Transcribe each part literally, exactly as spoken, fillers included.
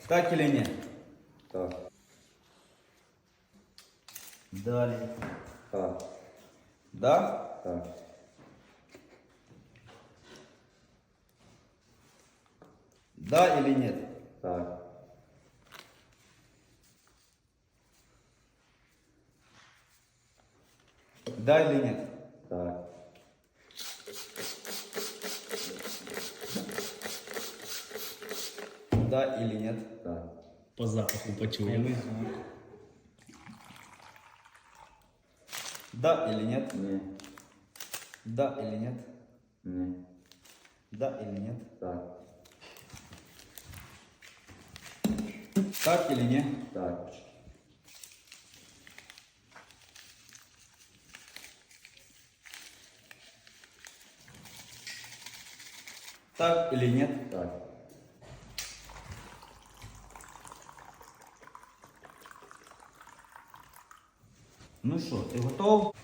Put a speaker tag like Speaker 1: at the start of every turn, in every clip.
Speaker 1: Так или нет?
Speaker 2: Так.
Speaker 1: Далее.
Speaker 2: Так.
Speaker 1: Да?
Speaker 2: Так.
Speaker 1: Да или нет?
Speaker 2: Так.
Speaker 1: Да или нет?
Speaker 2: Так.
Speaker 1: Да или нет?
Speaker 2: Так.
Speaker 3: По запаху почуємо.
Speaker 1: звук. Да или нет?
Speaker 2: Ні.
Speaker 1: Да или нет?
Speaker 2: Ні.
Speaker 1: Да или нет?
Speaker 2: Так.
Speaker 1: Так или нет?
Speaker 2: Так.
Speaker 1: Так или нет?
Speaker 2: Так.
Speaker 1: Ну що, ти готов?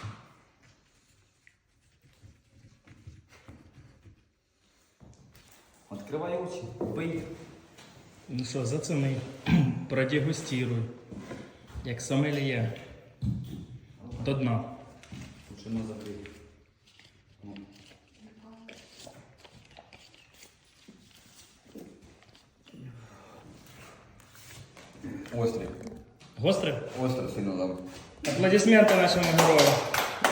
Speaker 1: Відкривай очі, пий.
Speaker 3: Ну що, зацени, продегустируй. Як сомельє. До дна.
Speaker 1: Почему закрити? Острий.
Speaker 3: Гостре?
Speaker 1: Острий сильно там.
Speaker 3: Аплодисменти нашому герою.